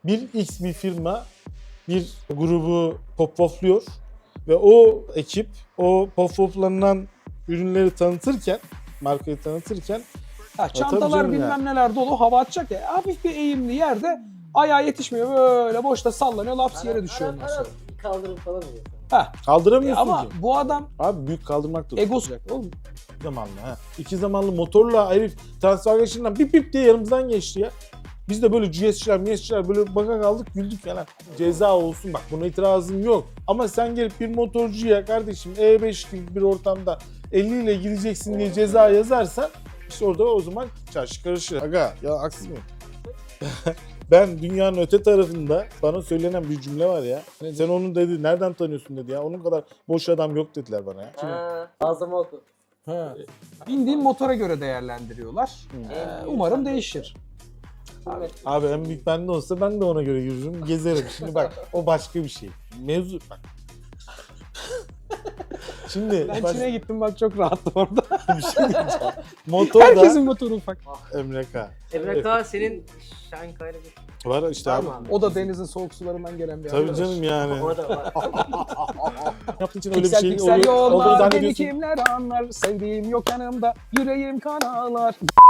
bir firma bir grubu pop-popluyor ve o ekip o pop-poplanan ürünleri tanıtırken, markayı tanıtırken Ha, tabii çantalar canım bilmem ya. neler dolu, hava atacak ya. Hafif bir eğimli yerde ayağa yetişmiyor, böyle boşta sallanıyor, laps yere düşüyor ondan sonra. Kaldırım falan oluyor. Ha. kaldıramıyorsun Ama ki. bu adam Abi büyük kaldırmak da egosu oğlum. İki zamanlı ha. İki zamanlı motorla herif transfer geçişinden bip bip diye yanımızdan geçti ya. Biz de böyle GS'çiler böyle baka kaldık güldük falan. Ceza olsun bak buna itirazım yok. Ama sen gelip bir motorcuya kardeşim E5 gibi bir ortamda 50 ile gideceksin diye ceza yazarsan işte orada o zaman çarşı karışır. Aga ya haksız mıyım? Ben dünyanın öte tarafında bana söylenen bir cümle var ya. Sen onun dedi nereden tanıyorsun dedi ya. Onun kadar boş adam yok dediler bana ya. Ağzıma oku. Ha. Bindiğin motora göre değerlendiriyorlar. Umarım değişir. Abi en büyük bende olsa ben de ona göre yürürüm, gezerim. Şimdi bak o başka bir şey. Mevzu bak. Şimdi Ben Çin'e gittim bak, çok rahattım orada. bir şey diyeceğim. Motorda Herkesin motoru ufak. Emre K. Emre K senin Şankay'la bir Var işte var abi. mı abi? O da denizin soğuk sularından gelen bir Tabii arkadaş. canım yani. O da var. Yaptığın için öyle bir Piksel şey piksel olduğunu yollar, beni zannediyorsun. kimler anlar, sevdiğim yok yanımda, yüreğim kan ağlar.